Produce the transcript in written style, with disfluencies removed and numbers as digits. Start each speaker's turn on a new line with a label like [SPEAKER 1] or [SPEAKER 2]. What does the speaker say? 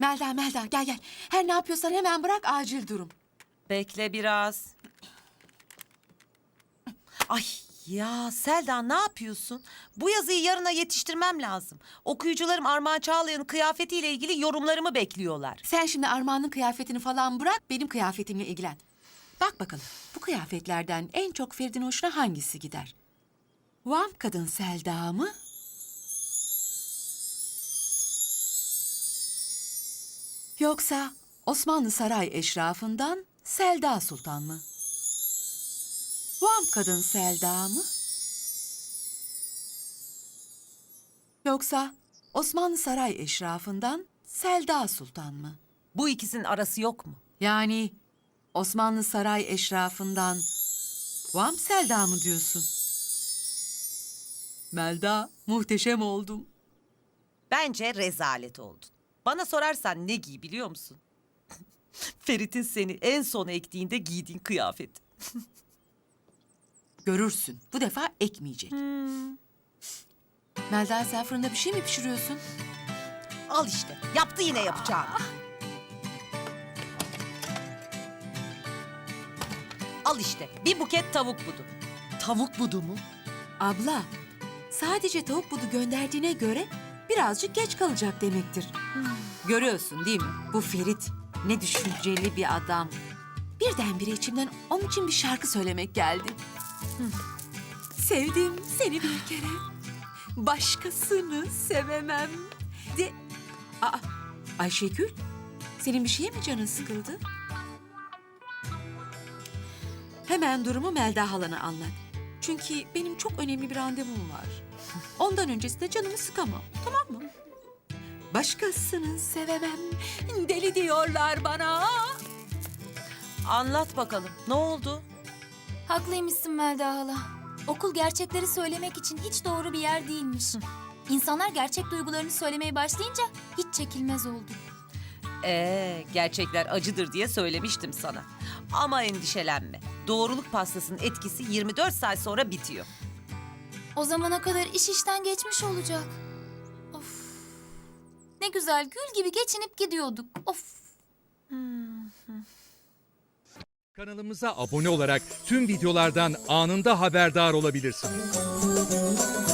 [SPEAKER 1] Melda gel. Her ne yapıyorsan hemen bırak, acil durum.
[SPEAKER 2] Bekle biraz. Ay ya Selda, ne yapıyorsun? Bu yazıyı yarına yetiştirmem lazım. Okuyucularım Armağan Çağlayan'ın kıyafetiyle ilgili yorumlarımı bekliyorlar.
[SPEAKER 1] Sen şimdi Armağan'ın kıyafetini falan bırak, benim kıyafetimle ilgilen. Bak bakalım, bu kıyafetlerden en çok Ferit'in hoşuna hangisi gider? Vamp kadın Selda mı? Yoksa Osmanlı saray eşrafından Selda Sultan mı? Vamp kadın Selda mı? Yoksa Osmanlı saray eşrafından Selda Sultan mı?
[SPEAKER 2] Bu ikisinin arası yok mu?
[SPEAKER 1] Yani Osmanlı saray eşrafından Vamp Selda mı diyorsun? Melda, muhteşem oldum.
[SPEAKER 2] Bence rezalet oldun. Bana sorarsan ne giy biliyor musun? Ferit'in seni en sona ektiğinde giydiğin kıyafet.
[SPEAKER 1] Görürsün, bu defa ekmeyecek. Melda, sen fırında bir şey mi pişiriyorsun?
[SPEAKER 2] Al işte, yaptı yine yapacağını. Al işte, bir buket tavuk budu. Tavuk budu mu?
[SPEAKER 1] Abla, sadece tavuk budu gönderdiğine göre birazcık geç kalacak demektir. Görüyorsun değil mi? Bu Ferit ne düşünceli bir adam. Birdenbire içimden onun için bir şarkı söylemek geldi. Sevdim seni bir kere, başkasını sevemem de... Aa, Ayşegül, senin bir şeye mi canın sıkıldı? Hemen durumu Melda halana anlat. Çünkü benim çok önemli bir randevum var. Ondan öncesinde canımı sıkamam, tamam mı? Başkasını sevemem, deli diyorlar bana.
[SPEAKER 2] Anlat bakalım, ne oldu?
[SPEAKER 3] Haklıymışsın Melda hala. Okul gerçekleri söylemek için hiç doğru bir yer değilmiş. İnsanlar gerçek duygularını söylemeye başlayınca hiç çekilmez oldu.
[SPEAKER 2] Gerçekler acıdır diye söylemiştim sana. Ama endişelenme. Doğruluk pastasının etkisi 24 saat sonra bitiyor.
[SPEAKER 3] O zamana kadar iş işten geçmiş olacak. Of. Ne güzel gül gibi geçinip gidiyorduk. Of.
[SPEAKER 4] Kanalımıza abone olarak tüm videolardan anında haberdar olabilirsiniz.